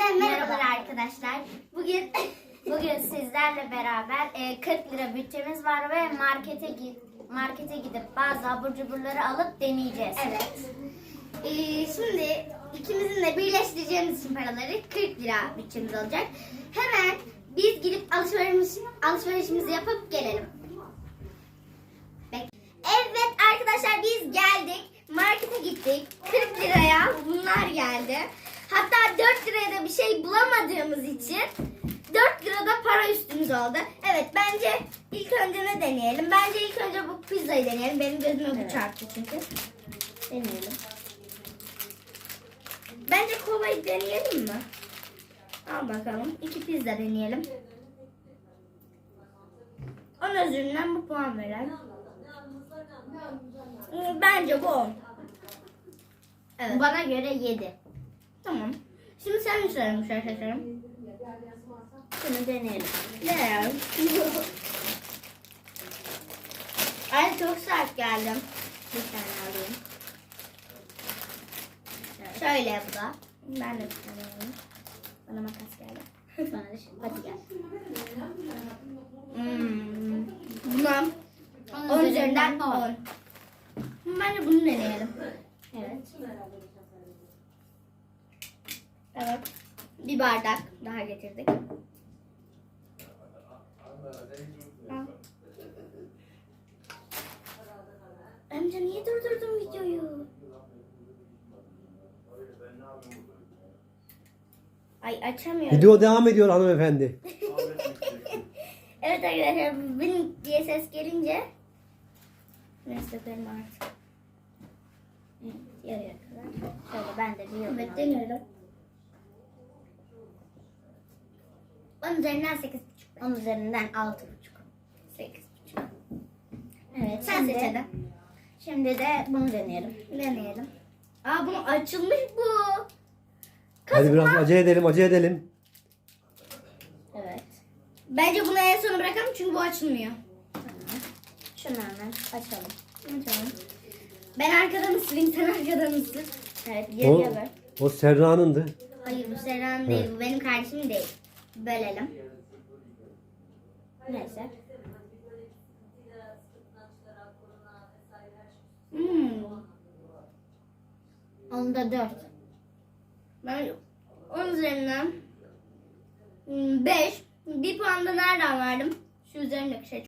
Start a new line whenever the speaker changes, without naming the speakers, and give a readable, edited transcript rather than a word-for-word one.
Merhabalar arkadaşlar. Bugün sizlerle beraber 40 lira bütçemiz var ve markete gidip bazı abur cuburları alıp deneyeceğiz.
Evet. Şimdi ikimizin de birleştireceğimiz için paraları 40 lira bütçemiz olacak. Hemen biz gidip alışverişimizi yapıp gelelim. Evet arkadaşlar, biz geldik. Markete gittik. 40 liraya bunlar geldi. Hatta 4 liraya da bir şey bulamadığımız için 4 lirada para üstümüz oldu. Evet, bence ilk önce ne deneyelim? Bence ilk önce bu pizzayı deneyelim. Benim gözüme bu çarptı çünkü. Deneyelim. Bence kolayı deneyelim mi? Al bakalım. 2 pizza deneyelim. Onun üzerinden bu puan verelim. Bence bu 10. Evet.
Bana göre 7.
Tamam. Şimdi sen mi söylemiş arkadaşlarım?
Şunu deneyelim.
Ne? Ay çok sert geldim.
Bir tane alayım.
Şöyle bu da. Ben de bir tane alayım. Bana makas geldi.
Bana da hadi gel.
Buna 10 üzerinden 10. Bence bunu deneyelim.
Evet.
Evet. Bir bardak daha getirdik. Amca niye durdurdun videoyu? Ay, açamıyorum.
Video devam ediyor hanımefendi.
Evet arkadaşlar, benim diye ses gelince neyse benim artık.
Evet, yarıya kadar. Şöyle ben de bir
Evet, deniyorum. 10 üzerinden 8,5.
10 üzerinden 6,5.
8,5.
Evet.
Sen seç hadi.
Şimdi de bunu deneyelim.
Deneyelim. Aa, bu açılmış bu.
Hadi biraz acele edelim.
Evet.
Bence bunu en sona bırakalım çünkü bu açılmıyor.
Şunu hemen açalım.
Açalım. Ben arkadan ısırayım, sen arkadan ısır. Evet,
O,
yarıya böl.
o Serra'nındı.
Hayır, bu Serra'nın değil, bu benim kardeşim değil. Bölelim.
Neyse. Onda 4.
Ben 10 üzerinden 5. Bir puan da nereden verdim? Şu üzerindeki şey